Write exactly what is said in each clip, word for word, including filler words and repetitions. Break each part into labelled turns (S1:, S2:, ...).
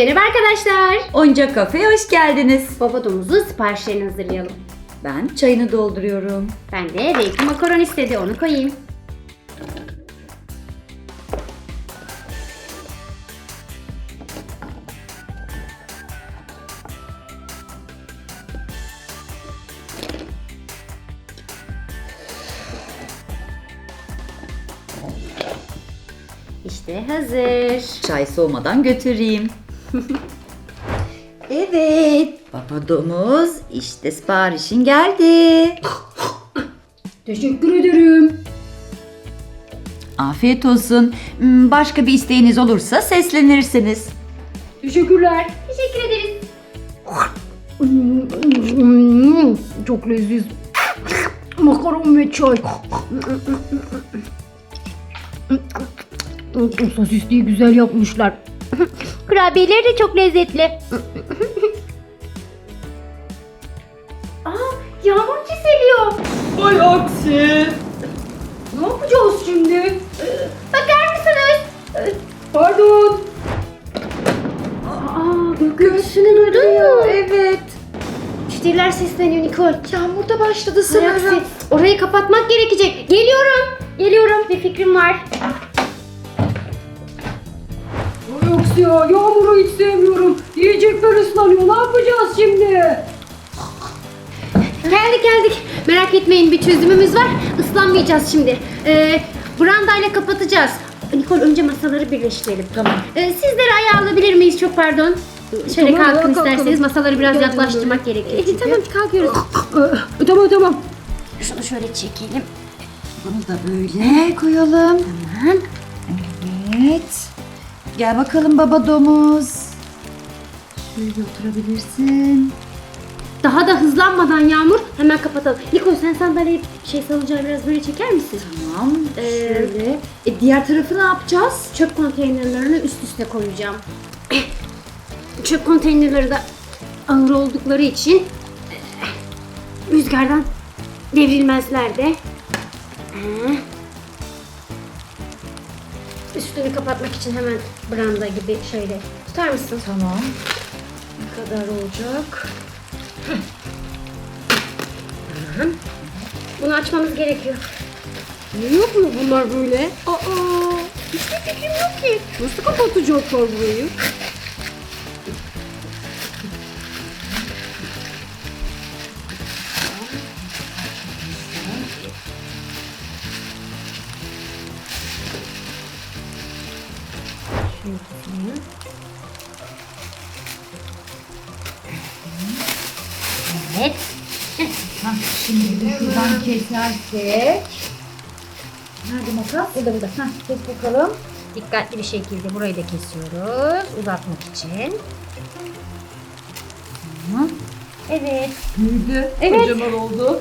S1: Merhaba arkadaşlar.
S2: Oyuncak Kafe'ye hoş geldiniz.
S1: Baba domuzun siparişlerini hazırlayalım.
S2: Ben çayını dolduruyorum.
S1: Ben de renkli makaron istedi, onu koyayım. İşte hazır.
S2: Çay soğumadan götüreyim. Evet. Baba domuz, işte siparişin geldi.
S1: Teşekkür ederim.
S2: Afiyet olsun. Hmm, Başka bir isteğiniz olursa seslenirsiniz.
S1: Teşekkürler. Teşekkür ederiz. Çok leziz. Makaron ve çay. Sosisliği güzel yapmışlar. Kurabiyeleri de çok lezzetli. Aa, yağmur çiseliyor.
S3: Ay aksi.
S1: Ne yapacağız şimdi? Bakar mısınız?
S3: Pardon.
S1: Aa, gürültüsünü duydun mu?
S2: Evet.
S1: Müşteriler sesleniyor Nikol.
S2: Yağmur da başladı
S1: Hay aksi, orayı kapatmak gerekecek. Geliyorum. Geliyorum. Bir fikrim var.
S3: Ay aksi ya, yağmuru hiç sevmiyorum. Yiyecekler ıslanıyor. Ne yapacağız şimdi?
S1: Geldik geldik. Merak etmeyin, bir çözümümüz var. Islanmayacağız şimdi. Ee, brandayla kapatacağız. Nikol, önce masaları birleştirelim.
S2: Tamam.
S1: Ee, sizleri ayağa alabilir miyiz çok pardon? Şöyle
S3: Tamam,
S1: kalkın
S3: ayağa kalkalım.
S1: isterseniz. Masaları biraz
S3: Gel,
S1: yaklaştırmak gerekiyor.
S3: çünkü.
S1: tamam kalkıyoruz.
S3: Ee, tamam tamam.
S1: Şunu şöyle çekelim.
S2: Bunu da böyle koyalım.
S1: Tamam.
S2: Evet. Gel bakalım baba domuz. Şöyle oturabilirsin.
S1: Daha da hızlanmadan Yağmur hemen kapatalım. Nikol, sen sandalyeyi şey salıncağı biraz böyle çeker misin?
S2: Tamam.
S1: Ee,
S2: Şöyle. E, diğer tarafı ne yapacağız?
S1: Çöp konteynerlerini üst üste koyacağım. Çöp konteynerleri de ağır oldukları için rüzgardan devrilmezler de. Ee, Üstünü kapatmak için hemen branda gibi şöyle tutar mısın?
S2: Tamam. Ne kadar olacak?
S1: Bunu açmamız gerekiyor.
S3: Ne yapıyor bunlar böyle? Aa, hiçbir fikrim yok ki. Nasıl kapatacaklar burayı?
S1: Evet.
S2: Hah, şimdi de şuradan kesersek. Nerede makas?
S1: Burada burada.
S2: Hah, kes bakalım.
S1: Dikkatli bir şekilde burayı da kesiyoruz uzatmak için.
S2: Hı.
S1: Evet.
S3: Büyüdü.
S1: Evet.
S3: Kocaman oldu.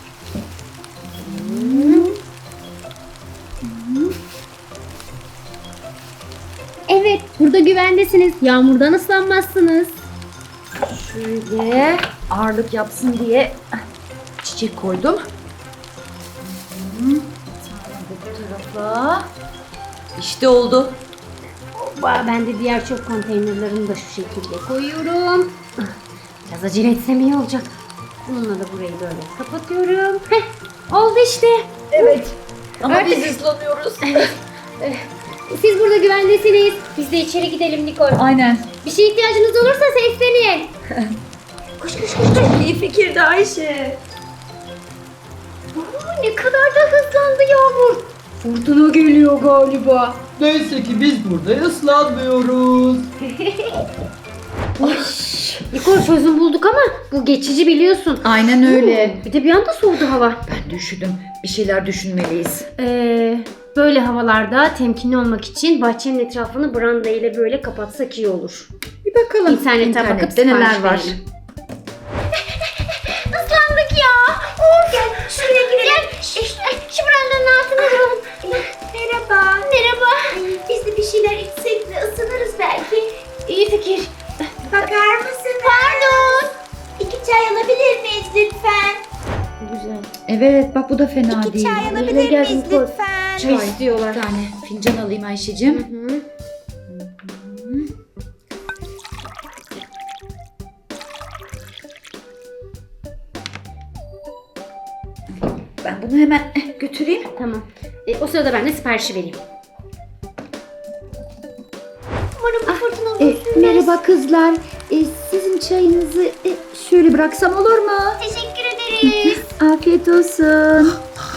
S1: Evet, burada güvendesiniz. Yağmurdan ıslanmazsınız.
S2: Şöyle ağırlık yapsın diye çiçek koydum. Hı. Sonra bu tarafa. İşte oldu.
S1: Hoppa, ben de diğer çöp konteynerlerini de şu şekilde koyuyorum. Biraz acele etsem iyi olacak. Bununla da burayı böyle kapatıyorum. Heh, oldu işte.
S2: Evet. Ama
S1: Artık-
S2: biz ıslanıyoruz.
S1: Siz burada güvendesiniz. Biz de içeri gidelim Nikol.
S2: Aynen.
S1: Bir şeye ihtiyacınız olursa seslenin. koş koş koş. koş.
S2: İyi fikirdi Ayşe.
S1: Aa, ne kadar da hızlandı Yağmur.
S3: Fırtına geliyor galiba. Neyse ki biz burada ıslanmıyoruz.
S1: Nikol, çözüm bulduk ama bu geçici, biliyorsun.
S2: Aynen öyle.
S1: Bir de bir anda soğudu hava.
S2: Ben de üşüdüm. Bir şeyler düşünmeliyiz.
S1: Ee, böyle havalarda temkinli olmak için bahçenin etrafını branda ile böyle kapatsak iyi olur.
S2: Bir bakalım.
S1: İnternete bakıp
S2: İnternette neler
S1: sipariş
S2: var.
S1: verelim. Islandık ya. Of, gel şuraya gidelim. Gel, şu brandanın altına duralım. Merhaba. Merhaba.
S4: Biz de bir şeyler içsek de ısınırız belki.
S1: İyi fikir.
S4: Bakar mısınız? Pardon. İki çay alabilir miyiz lütfen?
S1: Güzel.
S2: Evet bak bu da fena
S4: İki
S2: değil.
S4: çay
S1: Yerine
S4: alabilir
S1: gel
S4: miyiz
S1: Nikol.
S4: lütfen?
S1: Çay istiyorlar.
S2: Bir tane fincan alayım Ayşe'cim.
S1: Hı hı.
S2: Bunu hemen eh, götüreyim.
S1: Tamam. E, o sırada ben de siparişi vereyim.
S4: Umarım bu fırtına
S2: E,
S4: uzun sürmez.
S2: merhaba kızlar. E, sizin çayınızı e, şöyle bıraksam olur mu?
S4: Teşekkür ederiz.
S2: Afiyet olsun.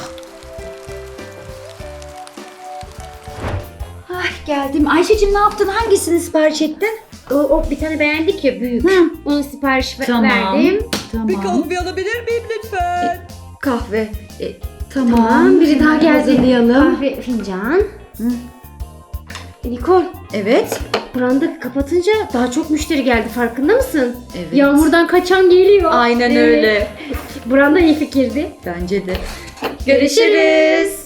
S2: Ah, geldim. Ayşe'cim ne yaptın? Hangisini sipariş ettin?
S1: O, o bir tane beğendik ya büyük.
S2: Hı.
S1: Onun sipariş ver-
S2: Tamam.
S1: verdim.
S2: Tamam.
S5: Bir kahve alabilir miyim lütfen?
S2: Kahve. E, tamam.
S1: Tamam, biri daha
S2: Hemen
S1: geldi.
S2: hazırlayalım.
S1: Kahve fincan.
S2: Hı.
S1: E, Nikol,
S2: Evet.
S1: branda kapatınca daha çok müşteri geldi, farkında mısın?
S2: Evet.
S1: Yağmurdan kaçan geliyor.
S2: Aynen
S1: Evet.
S2: öyle.
S1: Branda iyi fikirdi.
S2: Bence de.
S1: Görüşürüz.